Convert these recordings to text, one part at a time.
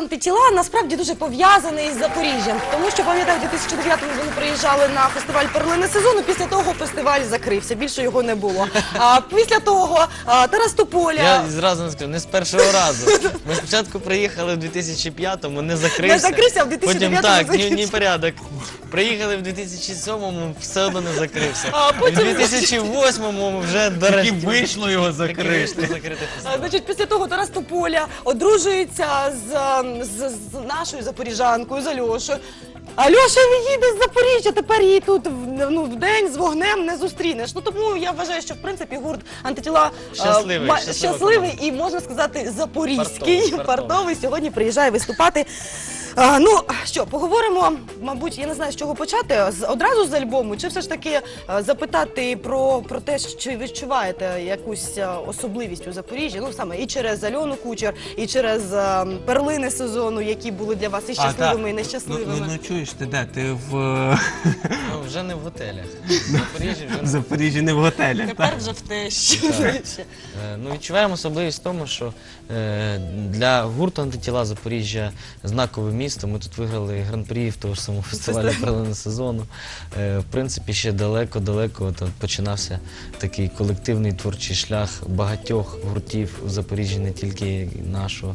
антитіла насправді дуже пов'язаний із Запоріжжям. Тому що, пам'ятаю, в 2009-му вони приїжджали на фестиваль «Перлини сезону», після того фестиваль закрився, більше його не було. А після того Тарас Тополя... Я зразу не скажу, не з першого разу. Ми спочатку приїхали в 2005-му, не закрився. Не закрився, а в 2009-му Потім так, закрився. ні порядок. Приїхали в 2007-му, все одно не закрився. А потім- В 2008-му вже до Таки вийшло його закрити. закрити фестиваль. Значить, після того Тарас Тополя одружується з нашою запоріжанкою, з Альошою. Альоша їде з Запоріжжя, тепер її тут в день з вогнем не зустрінеш. Ну тому я вважаю, що в принципі гурт антитіла щасливий і, можна сказати, запорізький, фартовий сьогодні приїжджає виступати. Ну що, поговоримо, мабуть, я не знаю, з чого почати, одразу з альбому, чи все ж таки запитати про те, чи ви відчуваєте якусь особливість у Запоріжжі, ну саме і через Альону Кучер, і через перлини сезону, які були для вас і щасливими, і нещасливими. Ну чуєш, ти де? Ти в Ну, вже не в готелях. В Запоріжжі вже не. Запоріжжі, не в готелях. Тепер вже в те, що... Ну, відчуваємо особливість в тому, що для гурту антитіла Запоріжжя знакове місто. Ми тут виграли гран-прі в того ж самого фестивалю «Перлини сезону». В принципі, ще далеко-далеко починався такий колективний творчий шлях багатьох гуртів у Запоріжжі, не тільки нашого.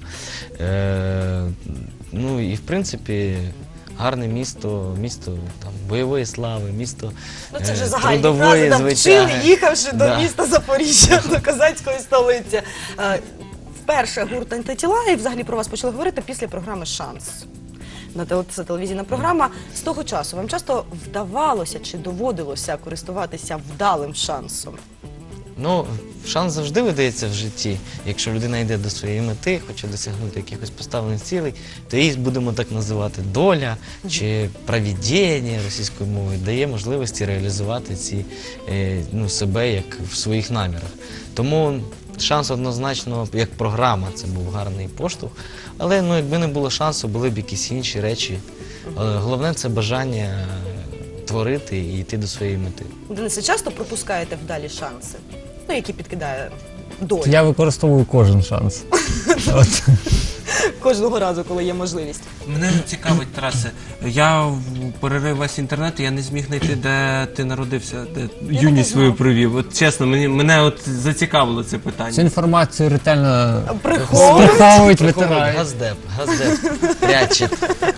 Ну і в принципі гарне місто, місто там бойової слави, місто Ну це вже загальні трудової фрази, там вчили, звичаги. їхавши до Да. міста Запоріжжя, до козацької столиці. Вперше гурт антитіла, і взагалі про вас почали говорити після програми «Шанс». Це телевізійна програма. З того часу вам часто вдавалося чи доводилося користуватися вдалим шансом? Ну, шанс завжди видається в житті. Якщо людина йде до своєї мети, хоче досягнути якихось поставлених цілей, то її будемо так називати доля чи провидіння російською мовою дає можливості реалізувати себе як в своїх намірах. Тому шанс однозначно, як програма, це був гарний поштовх. Але якби не було шансу, були б якісь інші речі. Головне це бажання творити і йти до своєї мети. Денисе, часто пропускаєте вдалі шанси, які підкидає доля? Я використовую кожен шанс. Кожного разу, коли є можливість. Мене цікавить, Тарасе, я перерив весь інтернет, я не зміг знайти, де ти народився, де юність свою провів. От чесно, мене от зацікавило це питання. Цю інформацію ретельно Приховують. приховують, витирають. Газдеп пряче.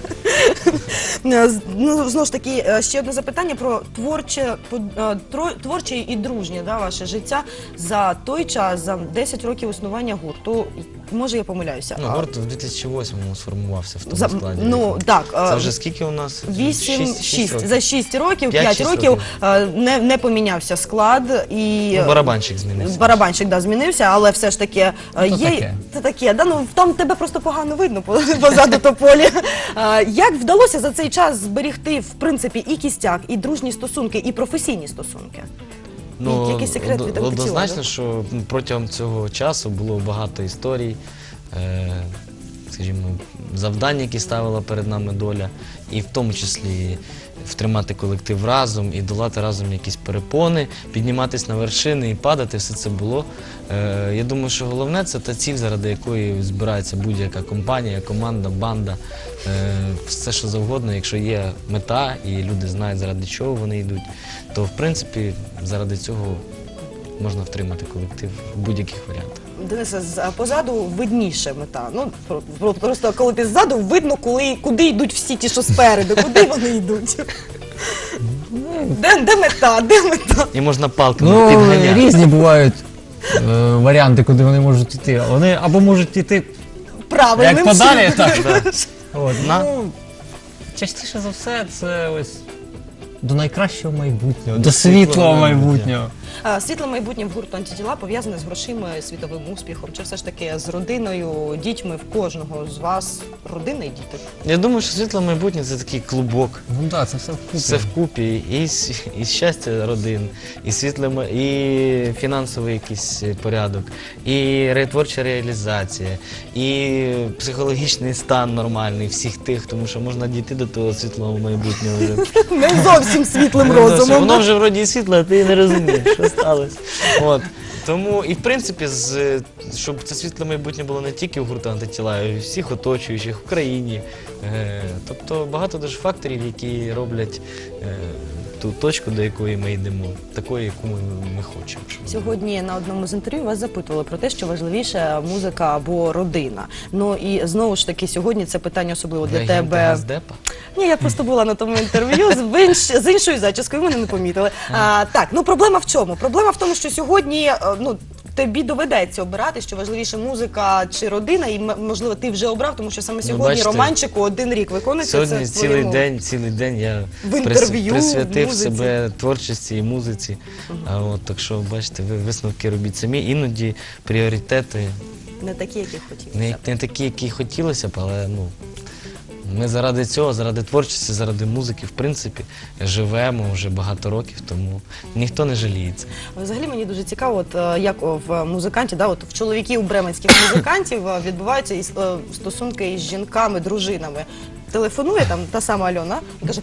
Ну, знову ж таки, ще одне запитання про творче і дружнє ваше життя за той час, за 10 років існування гурту. Може, я помиляюся. Ну, гурт в 2008-му сформувався в тому складі. Ну, так. Це вже скільки у нас? 6 за 6 років, 5 5-6 років не помінявся склад. І Барабанщик змінився. Барабанщик, да, змінився, але все ж таки є... Це таке, да, ну, там тебе просто погано видно позаду Тополі. Як вдалося за цей час зберігти, в принципі, і кістяк, і дружні стосунки, і професійні стосунки? Ну, Який секрет від антитіла? однозначно, що протягом цього часу було багато історій, скажімо, завдань, які ставила перед нами доля, і в тому числі втримати колектив разом і долати разом якісь перепони, підніматися на вершини і падати, все це було. Я думаю, що головне – це та ціль, заради якої збирається будь-яка компанія, команда, банда, все що завгодно. Якщо є мета і люди знають, заради чого вони йдуть, то, в принципі, заради цього можна втримати колектив в будь-яких варіантах. Денисе, позаду видніше мета. Ну, просто коли ти ззаду, видно, куди йдуть всі ті, що спереду, куди вони йдуть. Де мета, де мета? І можна палками Ну, підганяти. різні бувають варіанти, куди вони можуть йти. Вони або можуть йти Правильним як подалі, чином. так. Ну, частіше за все, це ось до найкращого майбутнього, до світлого майбутнього. Світле майбутнє в гурту антитіла пов'язане з грошима, світовим успіхом, чи все ж таки з родиною, дітьми в кожного з вас родина і діти? Я думаю, що світле майбутнє – це такий клубок. Ну так, це все вкупі. Все вкупі, і щастя родин, і фінансовий якийсь порядок, і творча реалізація, і психологічний стан нормальний всіх тих, тому що можна дійти до того світлого майбутнього вже. Не зовсім світлим розумом. Воно вже вроді і світло, а ти не розумієш, що сталося. Тому і в принципі, щоб це світле майбутнє було не тільки у гурту «Антитіла», а й у всіх оточуючих в країні. Тобто багато дуже факторів, які роблять ту точку, до якої ми йдемо, такою, яку ми хочемо. щоб Сьогодні на одному з інтерв'ю вас запитували про те, що важливіше музика або родина. Ну і знову ж таки, сьогодні це питання особливо для Легенда тебе. Газдепа. Ні, я просто була на тому інтерв'ю з іншою зачіскою, ви мене не помітили. Так, ну проблема в чому? Проблема в тому, що сьогодні, тобі доведеться обирати, що важливіше музика чи родина, і можливо ти вже обрав, тому що саме сьогодні бачите, романчику 1 рік виконується. Сьогодні Це в твоєму... цілий день я В інтерв'ю, в присвятив музиці. себе творчості і музиці. Так що, бачите, ви висновки робіть самі. Іноді пріоритети Не такі, які хотілося. не такі, які хотілося б, але ми заради цього, заради творчості, заради музики, в принципі, живемо вже багато років, тому ніхто не жаліється. Взагалі мені дуже цікаво, як в музикантів, в чоловіків бременських музикантів відбуваються стосунки із жінками, дружинами. Телефонує там та сама Альона і каже: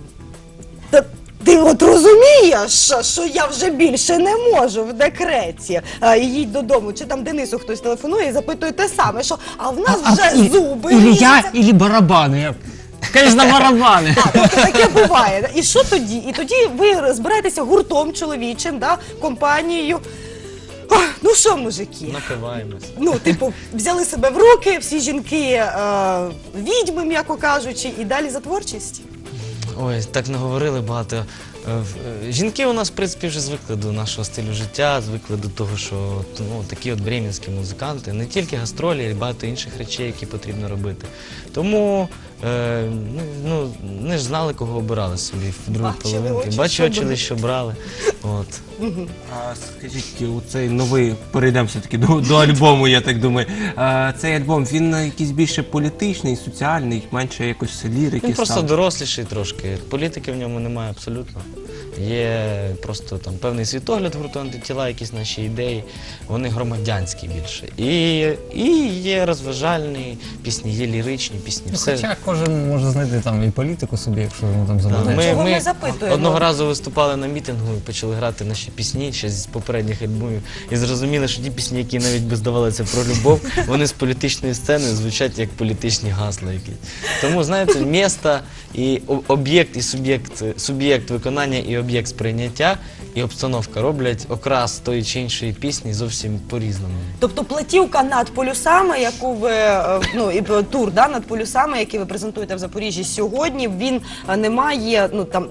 ти от розумієш, що я вже більше не можу в декреті, їдь додому. Чи там Денису хтось телефонує і запитує те саме, що а в нас вже зуби Или ріжуться. я, или барабаны. Конечно, барабаны. Тобто таке буває. І що тоді? І тоді ви збираєтеся гуртом чоловічим, компанією. Ну що, мужики? Напиваємось. Взяли себе в руки, всі жінки відьми, м'яко кажучи, і далі за творчість. Ой, так наговорили багато. Жінки у нас, в принципі, вже звикли до нашого стилю життя, звикли до того, що такі от бременські музиканти, не тільки гастролі, а й багато інших речей, які потрібно робити. Тому не ж знали, кого обирали собі в другій половинці. Бачили, що брали. А скажіть, оцей новий, перейдемо все-таки до альбому, я так думаю. Цей альбом, він якийсь більше політичний, соціальний, менше якось лірики? Він просто доросліший трошки. Політики в ньому немає абсолютно. Є просто там певний світогляд гурту «Антитіла», якісь наші ідеї, вони громадянські більше. І є розважальні пісні, є ліричні пісні. Хоча кожен може знайти там і політику собі, якщо йому там замовляють. Чого ми запитуємо? Одного разу виступали на мітингу і почали грати наші пісні ще з попередніх альбомів. І зрозуміли, що ті пісні, які навіть би здавалися про любов, вони з політичної сцени звучать як політичні гасла якісь. Тому, знаєте, місто і об'єкт, і суб'єкт виконання, і об'єкт сприйняття, і обстановка роблять окрас тої чи іншої пісні зовсім по-різному. Тобто платівка «Над полюсами», яку ви, і тур «Над полюсами», який ви презентуєте в Запоріжжі сьогодні, він не має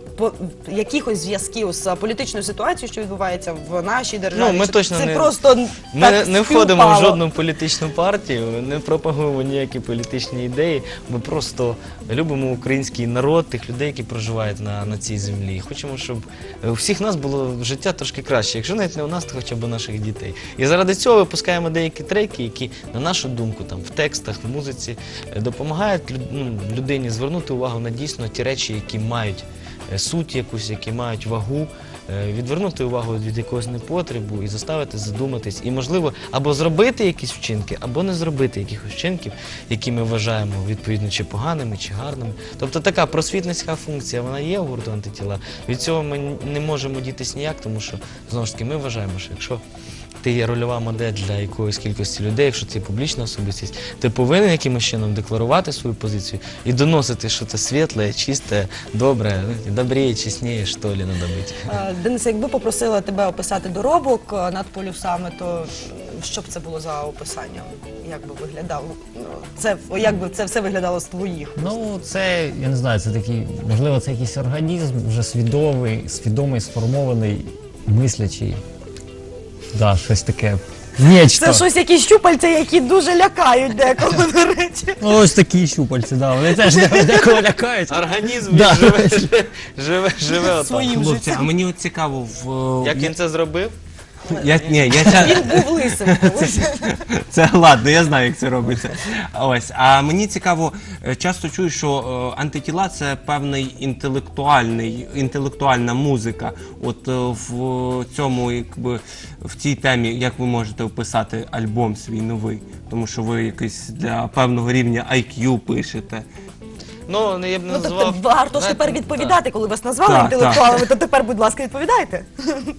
якихось зв'язків з політичною ситуацією, що відбувається в нашій державі? Ми точно це не, просто ми не входимо в співпало? жодну політичну партію, не пропагуємо ніякі політичні ідеї. Ми просто любимо український народ, тих людей, які проживають на цій землі. Хочемо, щоб у всіх нас було життя трошки краще. Якщо навіть не у нас, то хоча б у наших дітей. І заради цього випускаємо деякі треки, які, на нашу думку, в текстах, в музиці допомагають людині звернути увагу на дійсно ті речі, які мають суть якусь, які мають вагу, відвернути увагу від якогось непотребу і заставити задуматись. І, можливо, або зробити якісь вчинки, або не зробити якихось вчинків, які ми вважаємо, відповідно, чи поганими, чи гарними. Тобто така просвітницька функція, вона є у гурту «Антитіла». Від цього ми не можемо дітись ніяк, тому що, знову ж таки, ми вважаємо, що якщо ти є рольова модель для якоїсь кількості людей, якщо ти є публічна особистість, ти повинен якимось чином декларувати свою позицію і доносити, що це світле, чисте, добре, добріє, чесніє, що ли, надо бути. Денисе, якби попросила тебе описати доробок «Над полюсами», то що б це було за описання? Як би виглядало? Як би це все виглядало з твоїх? Ну, це, я не знаю, це такий, можливо, це якийсь організм вже свідомий, сформований, мислячий. Да, щось таке. Нечто. Це щось, якісь щупальця, які дуже лякають деколи, до речі. Ну, ось такі щупальці, да, вони теж декого лякають. Організм Да. живе отак. Своїм Хлопці, життям. а мені от цікаво, Як він це зробив? Він був лисим. Це ладно, я знаю, як це робиться. Ось, а мені цікаво, часто чую, що «Антитіла» – це певний інтелектуальна музика. От в цьому, якби, в цій темі, як ви можете описати альбом свій новий? Тому що ви якийсь для певного рівня IQ пишете. Я б не Тобто назвав... варто ж знаєте, тепер відповідати, коли вас назвали Так, інтелектуалами, то тепер, будь ласка, відповідайте.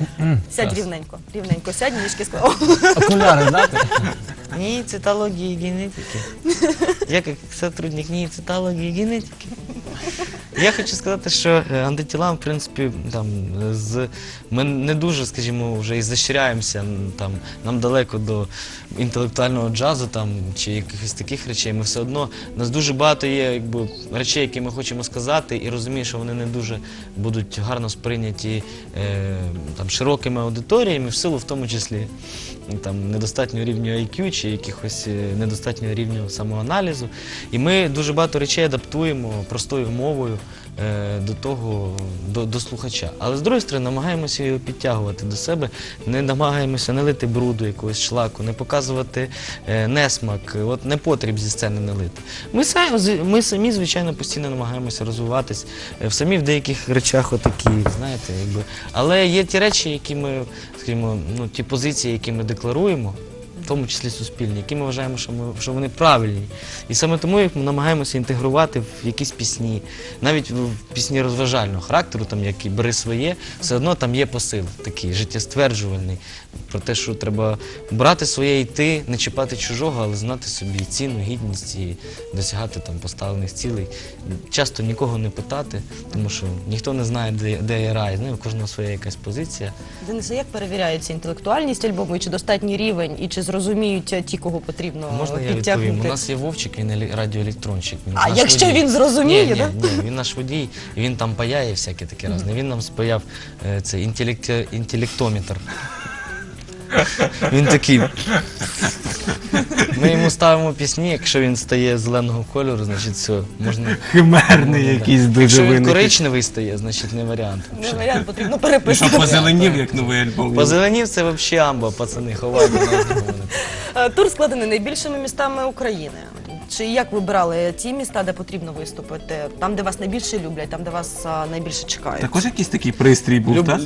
Сядь рівненько, рівненько, сядь, ніжки склав. Окуляри здати? НИИ цитологии и генетики. Я як сотрудник НИИ цитології і генетики. Я хочу сказати, що антитіла, в принципі, там, ми не дуже, скажімо, вже і защиряємося, там, нам далеко до інтелектуального джазу там, чи якихось таких речей. Ми все одно, у нас дуже багато є якби, речей, які ми хочемо сказати, і розумію, що вони не дуже будуть гарно сприйняті там, широкими аудиторіями, в силу в тому числі там, недостатнього рівня IQ чи якихось недостатнього рівня самоаналізу. І ми дуже багато речей адаптуємо простою мовою до того, до слухача. Але з другої сторони, намагаємося його підтягувати до себе, не намагаємося не лити бруду, якогось шлаку, не показувати несмак, от не потріб зі сцени не лити. Ми самі, звичайно, постійно намагаємося розвиватись, самі в деяких речах отакі, знаєте, якби. Але є ті речі, які ми, скажімо, ну, ті позиції, які ми декларуємо, в тому числі суспільні, які ми вважаємо, що вони правильні. І саме тому їх ми намагаємося інтегрувати в якісь пісні, навіть в пісні розважального характеру, там, які «Бери своє», все одно там є посил такий, життєстверджувальний, про те, що треба брати своє і йти, не чіпати чужого, але знати собі ціну, гідність і досягати там поставлених цілей. Часто нікого не питати, тому що ніхто не знає, де є рай, у кожного своя якась позиція. Денисе, як перевіряється інтелектуальність альбому, і чи достатній рівень, і чи зрозуміють ті, кого потрібно Можна я підтягнути? відповім? У нас є Вовчик, він радіоелектронщик. Він А наш якщо водій. він зрозуміє, ні, да? Ні, він наш водій, і він там паяє всяке таке разне. Він нам спаяв цей інтелектометр. Він такий. Ми йому ставимо пісні, якщо він стає зеленого кольору, значить все, можна... Химерний якийсь дуже Якщо він виникли. коричневий стає, значить не варіант. Не варіант, потрібно І що переписати. позеленів, як новий альбом. Позеленів це взагалі амба, пацани, ховайте нас. Тур складений найбільшими містами України. Чи як вибирали ті міста, де потрібно виступити? Там, де вас найбільше люблять, там, де вас найбільше чекають? Також якийсь такий пристрій був, так?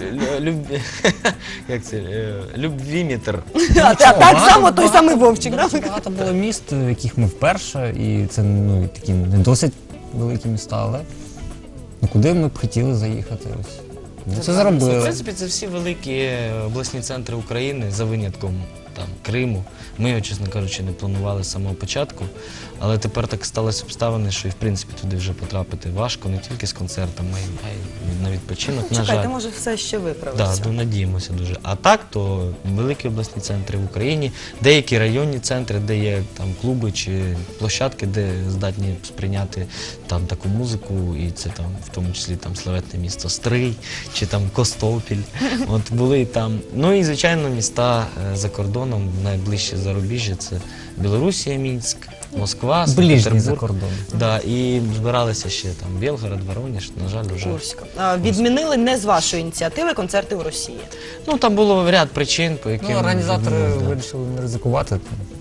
Як це? Любвіметр. Так само той самий Вовчик, да? Багато було міст, в яких ми вперше, і це ну, такі не досить великі міста, але ну, куди ми б хотіли заїхати? Ось. Ми це В зробили. принципі, це всі великі обласні центри України, за винятком там, Криму. Ми його, чесно кажучи, не планували з самого початку, але тепер так сталося обставини, що і в принципі туди вже потрапити важко, не тільки з концертами, а й на відпочинок, на жаль. Чекайте, може все ще виправиться. Так, надіємося дуже. А так, то великі обласні центри в Україні, деякі районні центри, де є там клуби чи площадки, де здатні сприйняти там таку музику, і це там в тому числі там славетне місто Стрий чи там Костопіль. От були і там. Ну і звичайно міста за кордоном, найближче зарубіжжя це Білорусія, Мінськ, Москва, Ближній за Санкт-Петербург. кордон. Да, і збиралися ще там Білгород, Воронеж, на жаль, вже. Курська. Відмінили не з вашої ініціативи концерти у Росії. Ну там було ряд причин, по яким Ну, організатори відмовили, да. вирішили не ризикувати.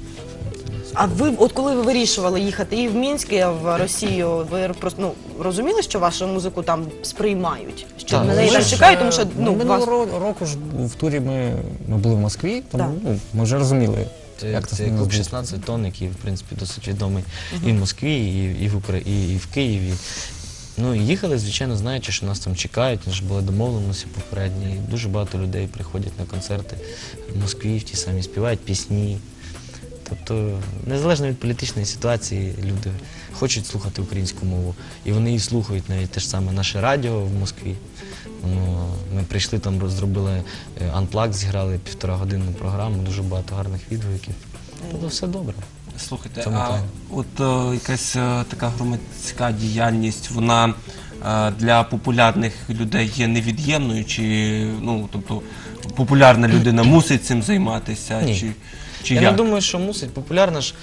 А ви, от коли ви вирішували їхати і в Мінськ, і в Росію, ви просто розуміли, що вашу музику там сприймають? Що Так, на неї ми там ж, чекають, тому що Минулого року ж в турі ми були в Москві, тому Так. ну, ми вже розуміли, як Це це клуб 16 тонн, який, в принципі, досить відомий і в Москві, і в Києві. Ну, і їхали, звичайно, знаючи, що нас там чекають, у нас ж були домовленості попередні. І дуже багато людей приходять на концерти в Москві, в ті самі співають пісні. Тобто, незалежно від політичної ситуації, люди хочуть слухати українську мову. І вони її слухають, навіть те ж саме наше радіо в Москві. Ну, ми прийшли там, зробили анплаг, зіграли 1,5-годинну програму, дуже багато гарних відгуків. Тобто все добре. Слухайте, Цьому а плані. от якась така громадська діяльність, вона для популярних людей є невід'ємною, чи ну, тобто популярна людина мусить цим займатися? Ні. Чи Я як? не думаю, що мусить. Популярна ж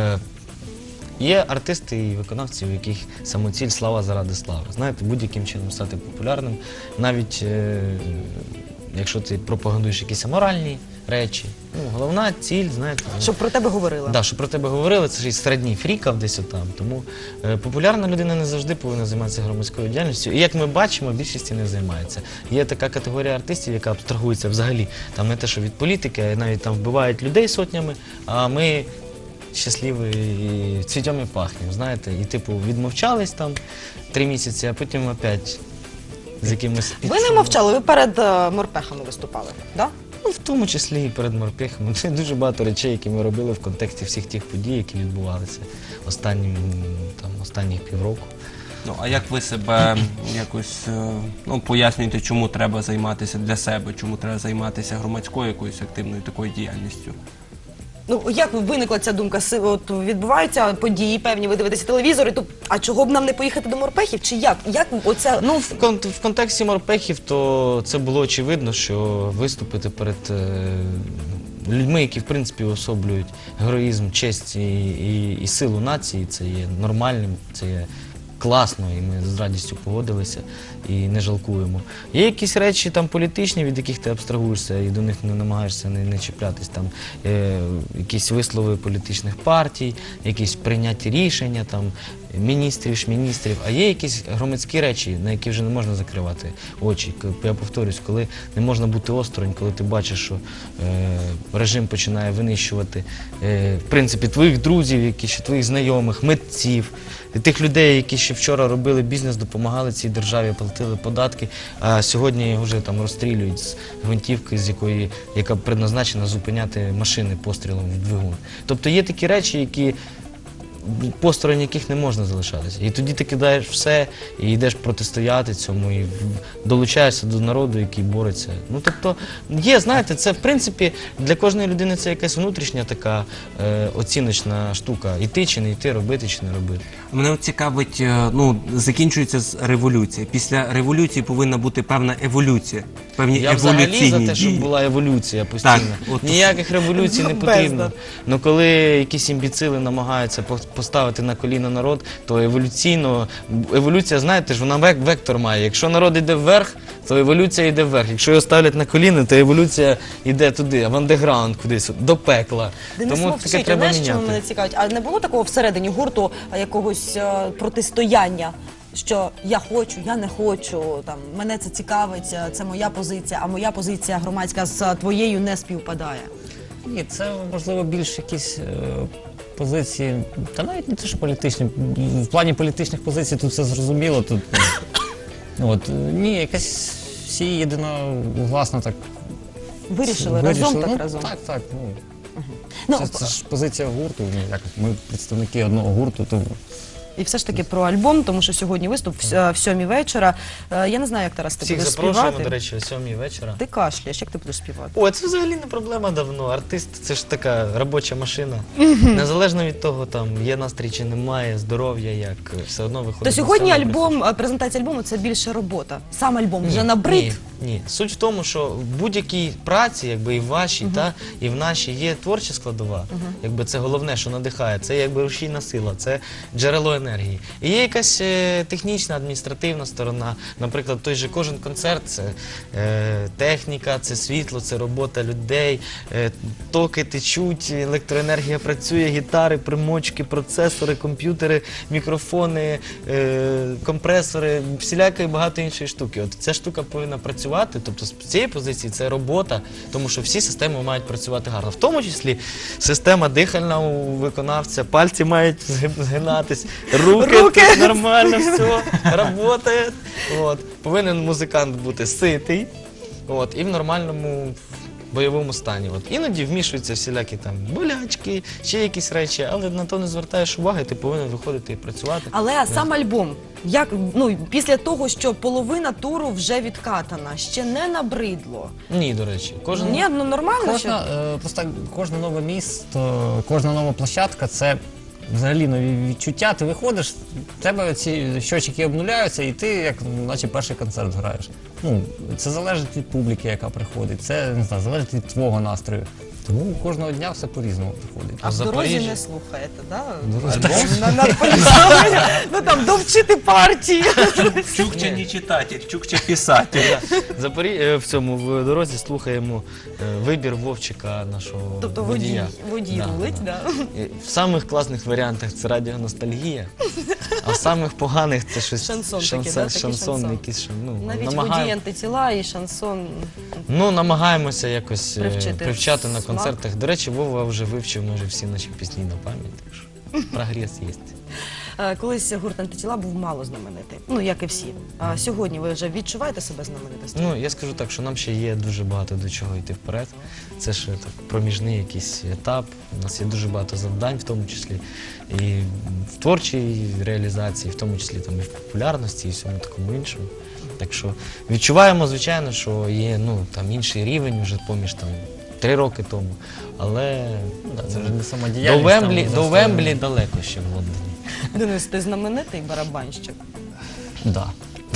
є артисти і виконавці, у яких самоціль слава заради слави. Знаєте, будь-яким чином стати популярним, навіть якщо ти пропагандуєш якісь аморальні речі. Ну, головна ціль, знаєте. щоб про тебе говорили. Да, що про тебе говорили, це ж і середній фрікав десь отам. Тому популярна людина не завжди повинна займатися громадською діяльністю. І як ми бачимо, більшість не займається. Є така категорія артистів, яка абстрагується взагалі там не те, що від політики, а навіть там вбивають людей сотнями, а ми щасливі і цвітем і пахнемо, знаєте. І типу відмовчались там 3 місяці, а потім опять з якимось Ви не мовчали, ви перед морпехами виступали, да? Ну, в тому числі і перед морпехами. Це дуже багато речей, які ми робили в контексті всіх тих подій, які відбувалися останніх півроку. Ну, а як ви себе якось пояснюєте, чому треба займатися для себе, чому треба займатися громадською якоюсь активною такою діяльністю? Ну, як виникла ця думка? От відбуваються події певні, ви дивитеся телевізор, і то, а чого б нам не поїхати до морпехів? Чи як? Як оце? Ну, в контексті морпехів, то це було очевидно, що виступити перед людьми, які, в принципі, уособлюють героїзм, честь і силу нації, це є нормальним, це є класно, і ми з радістю погодилися і не жалкуємо. Є якісь речі там політичні, від яких ти абстрагуєшся і до них не намагаєшся не чіплятись, там якісь вислови політичних партій, якісь прийняті рішення, там міністрів, а є якісь громадські речі, на які вже не можна закривати очі. Я повторюсь, коли не можна бути осторонь, коли ти бачиш, що режим починає винищувати в принципі твоїх друзів, твоїх знайомих, митців, тих людей, які ще вчора робили бізнес, допомагали цій державі, платили податки, а сьогодні вже там розстрілюють з гвинтівки, яка предназначена зупиняти машини пострілом в двигун. Тобто є такі речі, які посторонь яких не можна залишатися. І тоді ти кидаєш все і йдеш протистояти цьому, і долучаєшся до народу, який бореться. Ну, тобто, є, знаєте, це, в принципі, для кожної людини це якась внутрішня така оціночна штука. Іти чи не йти, робити чи не робити. Мене цікавить, закінчується революція. Після революції повинна бути певна еволюція, певні Я еволюційні взагалі за те, щоб дії. була еволюція постійно. Так, Ніяких революцій не потрібно. Ну коли якісь імбіцили намагаються поставити на коліна народ, то еволюція, знаєте ж, вона вектор має. Якщо народ йде вверх, то еволюція йде вверх. Якщо його ставлять на коліна, то еволюція йде туди, в андеграунд кудись, до пекла. Денис Тому мовчить, таке треба знаєш, чому мене міняти. цікавить? А не було такого всередині гурту якогось протистояння? Що я хочу, я не хочу, там, мене це цікавить, це моя позиція, а моя позиція громадська з твоєю не співпадає. Ні, це, можливо, більш якісь позиції, та навіть не те, що політичні. В плані політичних позицій тут все зрозуміло. Тут, ні, якась всі єдиногласно так Вирішили разом, так Ну, разом. Так. Ну, Це ж позиція гурту, ми представники одного гурту, тому... І все ж таки про альбом, тому що сьогодні виступ в 7:00 вечора. Я не знаю, як Тарас ти Всіх будеш запрошуємо, співати. до речі, о 7:00 вечора. Ти кашляєш, як ти будеш співати? О, це взагалі не проблема давно. Артист – це ж така робоча машина. Незалежно від того, там є настрій чи немає, здоров'я, як все одно виходить. То сьогодні на сцену, альбом, презентація альбому – це більше робота. Сам альбом вже набрид. Ні. Суть в тому, що в будь-якій праці, якби і в вашій, і в нашій, є творча складова. Якби це головне, що надихає. Це якби рушійна сила, це джерело енергії. І є якась технічна, адміністративна сторона. Наприклад, той же кожен концерт – це техніка, це світло, це робота людей, токи течуть, електроенергія працює, гітари, примочки, процесори, комп'ютери, мікрофони, компресори, всіляка і багато іншої штуки. От ця штука повинна працювати, тобто з цієї позиції це робота, тому що всі системи мають працювати гарно. В тому числі система дихальна у виконавця, пальці мають згинатись, руки нормально, все, працює. Повинен музикант бути ситий і в нормальному бойовому стані. Іноді вмішуються всілякі там болячки, ще якісь речі, але на то не звертаєш уваги, ти повинен виходити і працювати. Але сам альбом, після того, що половина туру вже відкатана, ще не набридло. Ні, до речі. Ні, нормально. Просто кожне нове місто, кожна нова площадка – це взагалі нові відчуття. Ти виходиш, в тебе ці щочики обнуляються, і ти, як наче перший концерт граєш. Це залежить від публіки, яка приходить, це, не знаю, залежить від твого настрою. Тому кожного дня все по-різному приходить. А в дорозі Запоріжжя? не слухаєте, так? Альбом? Там довчити партії. Чукча не читатель, чукча писатель. В дорозі слухаємо вибір Вовчика, нашого Тобто водія. водій Да, рулить, да. так? В самих класних варіантах це радіоностальгія, а в самих поганих це щось Шансон такий, да, такий шансон. якийсь, Навіть водій антитіла і шансон. намагаємося якось Привчити привчати на смак. концертах. До речі, Вова вже вивчив майже всі наші пісні на пам'ять, так що прогрес є. колись гурт «Антитіла» був мало знаменитий, ну як і всі. А сьогодні ви вже відчуваєте себе знаменитістю? Ну, я скажу так, що нам ще є дуже багато до чого йти вперед. Це ще так проміжний якийсь етап. У нас є дуже багато завдань, в тому числі і в творчій реалізації, в тому числі там і в популярності, і всьому такому іншому. Так що відчуваємо, звичайно, що є там інший рівень вже поміж 3 роки тому. Але Це вже не до самодіяльність. Вемблі, там, до Вемблі далеко ще в Лондоні. Денис, ти знаменитий барабанщик? Да.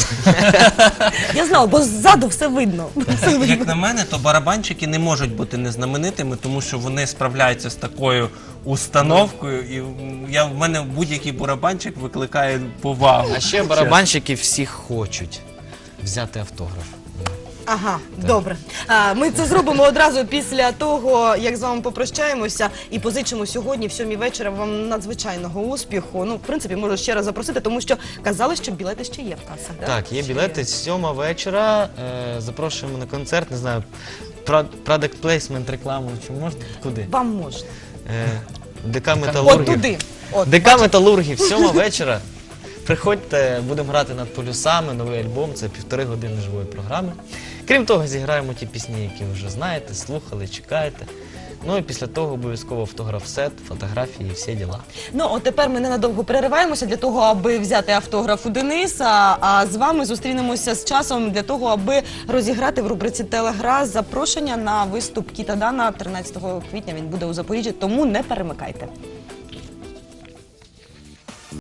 Я знала, бо ззаду все видно. Як на мене, то барабанщики не можуть бути незнаменитими, тому що вони справляються з такою установкою, і в мене будь-який барабанщик викликає повагу. А ще барабанщики всі хочуть взяти автограф. Ага, добре. Ми це зробимо одразу після того, як з вами попрощаємося і позичимо сьогодні в 7 вечора вам надзвичайного успіху. Ну, в принципі, можу ще раз запросити, тому що казали, що білети ще є в касах. Так, є Ще білети, 7 вечора, запрошуємо на концерт, не знаю, product placement, рекламу, чи можна? Куди? Вам можна. ДК От Металургів. туди. От. ДК Металургів, 7 вечора. Приходьте, будемо грати над полюсами, новий альбом, це 1,5 години живої програми. Крім того, зіграємо ті пісні, які ви вже знаєте, слухали, чекаєте. Ну і після того обов'язково автограф-сет, фотографії і всі діла. Ну, от тепер ми ненадовго перериваємося для того, аби взяти автограф у Дениса, а з вами зустрінемося з часом для того, аби розіграти в рубриці «Телегра» запрошення на виступ Кіта Дана 13 квітня. Він буде у Запоріжжі, тому не перемикайте.